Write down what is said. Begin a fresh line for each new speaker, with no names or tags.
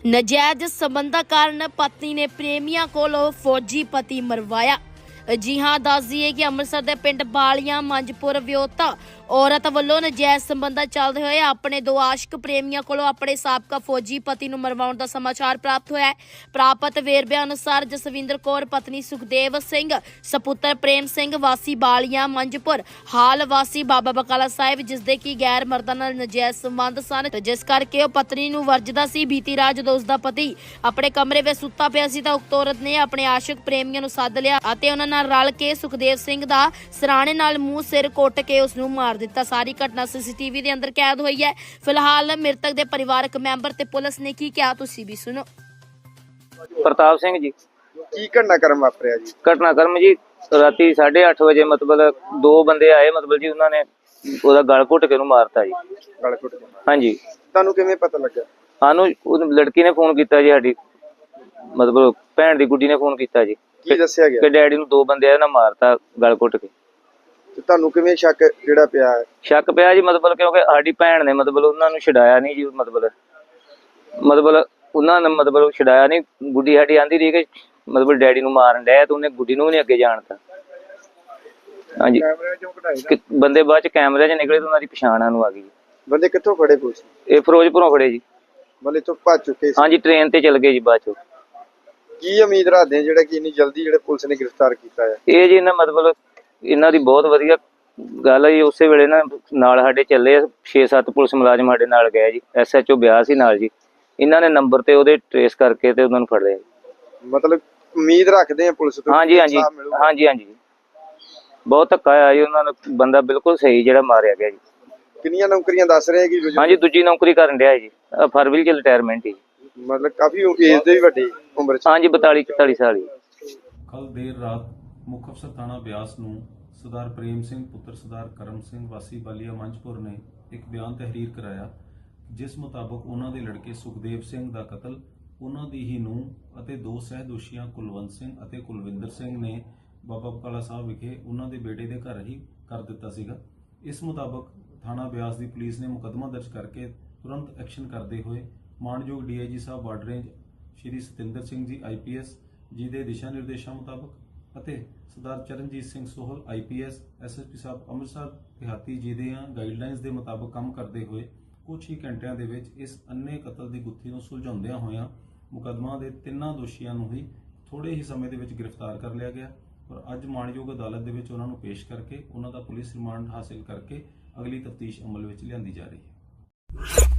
ਨਜਾਇਜ਼ ਸੰਬੰਧਾਂ ਕਾਰਨ ਪਤਨੀ ਨੇ ਪ੍ਰੇਮੀਆਂ ਕੋਲੋਂ ਫੌਜੀ ਪਤੀ ਮਰਵਾਇਆ। ਜੀ ਹਾਂ, ਦੱਸ ਦਈਏ ਕਿ ਅੰਮ੍ਰਿਤਸਰ ਦੇ ਪਿੰਡ ਬਾਲੀਆਂ ਮੰਜਪੁਰ ਵਿਆਹੁਤਾ ਔਰਤ ਵੱਲੋਂ ਨਜਾਇਜ਼ ਸੰਬੰਧਾਂ ਚੱਲਦੇ ਹੋਏ ਆਪਣੇ ਦੋ ਆਸ਼ਕ ਪ੍ਰੇਮੀਆਂ ਕੋਲੋਂ ਆਪਣੇ ਸਾਬਕਾ ਫੌਜੀ ਪਤੀ ਨੂੰ ਮਰਵਾਉਣ ਦਾ ਸਮਾਚਾਰ ਪ੍ਰਾਪਤ ਹੋਇਆ ਹੈ। ਪ੍ਰਾਪਤ ਵੇਰਵਿਆਂ ਅਨੁਸਾਰ ਜਸਵਿੰਦਰ ਕੌਰ ਪਤਨੀ ਸੁਖਦੇਵ ਸਿੰਘ ਸਪੁੱਤਰ ਪ੍ਰੇਮ ਸਿੰਘ ਵਾਸੀ ਬਾਲੀਆਂ ਮੰਜਪੁਰ ਹਾਲ ਵਾਸੀ ਬਾਬਾ ਬਕਾਲਾ ਸਾਹਿਬ, ਜਿਸ ਦੇ ਕੀ ਗੈਰ ਮਰਦਾਂ ਨਾਲ ਨਜਾਇਜ਼ ਸੰਬੰਧ ਸਨ, ਜਿਸ ਕਰਕੇ ਉਹ ਪਤਨੀ ਨੂੰ ਵਰਜਦਾ ਸੀ। ਬੀਤੀ ਰਾਤ ਜਦੋਂ ਉਸ ਦਾ ਪਤੀ ਆਪਣੇ ਕਮਰੇ ਵਿੱਚ ਸੁੱਤਾ ਪਿਆ ਸੀ ਤਾਂ ਉਕਤ ਔਰਤ ਨੇ ਆਪਣੇ ਆਸ਼ਕ ਪ੍ਰੇਮੀਆਂ ਨੂੰ ਸੱਦ ਲਿਆ ਅਤੇ ਉਹਨਾਂ ਨਾਲ ਰਲ ਕੇ ਸੁਖਦੇਵ ਸਿੰਘ ਦਾ ਸਰਾਣੇ ਨਾਲ ਮੂੰਹ ਸਿਰ ਕੁੱਟ ਕੇ ਉਸ ਨੂੰ ਮਾਰ ਦਿੱਤਾ। ਸਾਰੀ ਘਟਨਾ ਸੀਸੀਟੀਵੀ ਦੇ ਅੰਦਰ ਕੈਦ ਹੋਈ ਹੈ। ਫਿਲਹਾਲ ਮ੍ਰਿਤਕ ਦੇ ਪਰਿਵਾਰਕ ਮੈਂਬਰ ਤੇ ਪੁਲਿਸ ਨੇ ਕੀ ਕਿਹਾ ਤੁਸੀਂ ਵੀ ਸੁਣੋ।
ਪ੍ਰਤਾਪ ਸਿੰਘ ਜੀ।
ਕੀ ਘਟਨਾਕ੍ਰਮ ਵਾਪਰਿਆ ਜੀ?
ਘਟਨਾਕ੍ਰਮ ਜੀ ਰਾਤੀ 8:30 ਵਜੇ ਮਤਲਬ ਦੋ ਬੰਦੇ ਆਏ, ਮਤਲਬ ਜੀ ਉਹਨਾਂ ਨੇ ਉਹਦਾ ਗਲ ਘੁੱਟ ਕੇ ਉਹਨੂੰ ਮਾਰਤਾ ਜੀ।
ਗਲ ਘੁੱਟ ਕੇ?
ਹਾਂਜੀ।
ਤੁਹਾਨੂੰ ਕਿਵੇਂ ਪਤਾ ਲੱਗਾ?
ਸਾਨੂੰ ਉਹ ਲੜਕੀ ਨੇ ਫੋਨ ਕੀਤਾ ਜੀ, ਸਾਡੀ ਮਤਲਬ ਭੈਣ ਦੀ ਗੁੱਡੀ ਨੇ ਫੋਨ ਕੀਤਾ ਜੀ।
ਕੀ ਦੱਸਿਆ ਗਿਆ?
ਕਿ ਡੈਡੀ ਨੂੰ ਦੋ ਬੰਦੇ ਆਏ ਨਾ ਮਾਰਤਾ ਗਲ ਘੁੱਟ ਕੇ।
ਤੇ ਤੁਹਾਨੂੰ ਕਿਵੇਂ ਸ਼ੱਕ ਜਿਹੜਾ ਪਿਆ ਹੈ?
ਸ਼ੱਕ ਪਿਆ ਜੀ ਮਤਲਬ ਕਿਉਂਕਿ ਸਾਡੀ ਭੈਣ ਨੇ ਮਤਲਬ ਉਹਨਾਂ ਨੂੰ ਛਡਾਇਆ ਨਹੀਂ ਜੀ, ਮਤਲਬ ਉਹਨਾਂ ਨੇ ਮਤਲਬ ਛਡਾਇਆ ਨਹੀਂ। ਗੁੱਡੀ ਸਾਡੀ ਆਂਦੀ ਰਹੀ ਕਿ ਮਤਲਬ ਡੈਡੀ ਨੂੰ ਮਾਰਨ ਡਿਆ ਤੇ ਉਹਨੇ ਗੁੱਡੀ ਨੂੰ ਵੀ ਨਹੀਂ ਅੱਗੇ ਜਾਣਤਾ। ਹਾਂਜੀ, ਬੰਦੇ ਬਾਅਦ ਚ ਕੈਮਰੇ 'ਚ ਨਿਕਲੇ ਤੇ ਉਹਨਾਂ ਦੀ ਪਛਾਣ ਨੂੰ ਆ ਗਈ।
ਬੰਦੇ ਕਿੱਥੋਂ ਫੜੇ ਪੁਲਿਸ?
ਇਹ ਫਿਰੋਜ਼ਪੁਰੋਂ ਫੜੇ ਜੀ।
ਮਤਲਬ ਇੱਥੋਂ ਭੱਜ ਚੁੱਕੇ ਸੀ?
ਹਾਂਜੀ, ਟ੍ਰੇਨ ਤੇ ਚਲ ਗਏ ਜੀ ਬਾਅਦ ਚੋਂ।
ਕੀ ਉਮੀਦ ਰੱਖਦੇ ਜਿਹੜਾ ਕਿ ਇੰਨੀ ਜਲਦੀ ਜਿਹੜੇ ਪੁਲਿਸ ਨੇ ਗ੍ਰਿਫਤਾਰ ਕੀਤਾ ਹੈ?
ਇਹ ਜੀ ਮਤਲਬ ਇਹਨਾਂ ਦੀ ਬਹੁਤ ਵਧੀਆ ਗੱਲ ਹੈ ਜੀ। ਉਸੇ ਵੇਲੇ ਨਾਲ ਸਾਡੇ ਚੱਲੇ 6-7 ਪੁਲਿਸ ਮੁਲਾਜ਼ਮ ਸਾਡੇ ਨਾਲ ਗਏ ਜੀ। SHO ਬਿਆਸ ਸੀ ਨਾਲ ਜੀ। ਇਹਨਾਂ ਨੇ ਨੰਬਰ ਤੇ ਉਹਦੇ ਟ੍ਰੇਸ ਕਰਕੇ ਤੇ ਉਹਨਾਂ ਨੂੰ ਫੜ ਲਿਆ।
ਮਤਲਬ ਉਮੀਦ ਰੱਖਦੇ ਆ ਪੁਲਿਸ ਤੋਂ?
ਹਾਂਜੀ ਹਾਂਜੀ ਹਾਂਜੀ ਹਾਂਜੀ, ਬਹੁਤ ਧੱਕਾ ਆਇਆ ਜੀ ਉਹਨਾਂ ਨੂੰ। ਬੰਦਾ ਬਿਲਕੁਲ ਸਹੀ ਜਿਹੜਾ ਮਾਰਿਆ ਗਿਆ ਜੀ।
ਕਿੰਨੀਆਂ ਨੌਕਰੀਆਂ ਦੱਸ ਰਹੇ ਕਿ?
ਹਾਂਜੀ, ਦੂਜੀ ਨੌਕਰੀ ਕਰਨ ਡਿਆ ਜੀ। ਫਰਵਰੀ ਚ ਰਿਟਾਇਰਮੈਂਟ ਹੀ।
ਮਤਲਬ ਕਾਫੀ ਏਜ ਦੇ ਵੀ ਵੱਡੇ ਉਮਰ ਚ?
ਹਾਂਜੀ, 42-44 ਸਾਲ ਹੀ।
ਕੱਲ ਦੇਰ ਰਾਤ ਮੁੱਖ ਅਫਸਰ ਥਾਣਾ ਬਿਆਸ ਨੂੰ ਸਰਦਾਰ ਪ੍ਰੇਮ ਸਿੰਘ ਪੁੱਤਰ ਸਰਦਾਰ ਕਰਮ ਸਿੰਘ ਵਾਸੀ ਬਾਲੀਆ ਮੰਜਪੁਰ ਨੇ ਇੱਕ ਬਿਆਨ ਤਹਿਰੀਰ ਕਰਾਇਆ, ਜਿਸ ਮੁਤਾਬਕ ਉਹਨਾਂ ਦੇ ਲੜਕੇ ਸੁਖਦੇਵ ਸਿੰਘ ਦਾ ਕਤਲ ਉਹਨਾਂ ਦੀ ਹੀ ਨੂੰਹ ਅਤੇ ਦੋ ਸਹਿਦੋਸ਼ੀਆਂ ਕੁਲਵੰਤ ਸਿੰਘ ਅਤੇ ਕੁਲਵਿੰਦਰ ਸਿੰਘ ਨੇ ਬਾਬਾ ਬਕਾਲਾ ਸਾਹਿਬ ਵਿਖੇ ਉਹਨਾਂ ਦੇ ਬੇਟੇ ਦੇ ਘਰ ਹੀ ਕਰ ਦਿੱਤਾ ਸੀਗਾ। ਇਸ ਮੁਤਾਬਕ ਥਾਣਾ ਬਿਆਸ ਦੀ ਪੁਲਿਸ ਨੇ ਮੁਕੱਦਮਾ ਦਰਜ ਕਰਕੇ ਤੁਰੰਤ ਐਕਸ਼ਨ ਕਰਦੇ ਹੋਏ ਮਾਣਯੋਗ DIG Sahib border range Shri Satinder Singh ji IPS ਜੀ ਦੇ ਦਿਸ਼ਾ ਨਿਰਦੇਸ਼ਾਂ ਮੁਤਾਬਕ ਅਤੇ ਸਰਦਾਰ ਚਰਨਜੀਤ ਸਿੰਘ ਸੋਹਲ IPS SSP ਸਾਹਿਬ ਅੰਮ੍ਰਿਤਸਰ ਦਿਹਾਤੀ ਜੀ ਦੇ ਗਾਈਡਲਾਈਨਸ ਦੇ ਮੁਤਾਬਕ ਕੰਮ ਕਰਦੇ ਹੋਏ ਕੁਝ ਹੀ ਘੰਟਿਆਂ ਦੇ ਵਿੱਚ ਇਸ ਅੰਨੇ ਕਤਲ ਦੀ ਗੁੱਥੀ ਨੂੰ ਸੁਲਝਾਉਂਦਿਆਂ ਹੋਇਆਂ ਮੁਕੱਦਮਾ ਦੇ ਤਿੰਨਾਂ ਦੋਸ਼ੀਆਂ ਨੂੰ ਹੀ ਥੋੜੇ ਹੀ ਸਮੇਂ ਦੇ ਵਿੱਚ ਗ੍ਰਿਫਤਾਰ ਕਰ ਲਿਆ ਗਿਆ ਔਰ ਅੱਜ ਮਾਣਯੋਗ ਅਦਾਲਤ ਦੇ ਵਿੱਚ ਉਹਨਾਂ ਨੂੰ ਪੇਸ਼ ਕਰਕੇ ਉਹਨਾਂ ਦਾ ਪੁਲਿਸ ਰਿਮਾਂਡ ਹਾਸਿਲ ਕਰਕੇ ਅਗਲੀ ਤਫਤੀਸ਼ ਅਮਲ ਵਿੱਚ ਲਿਆਂਦੀ ਜਾ ਰਹੀ ਹੈ।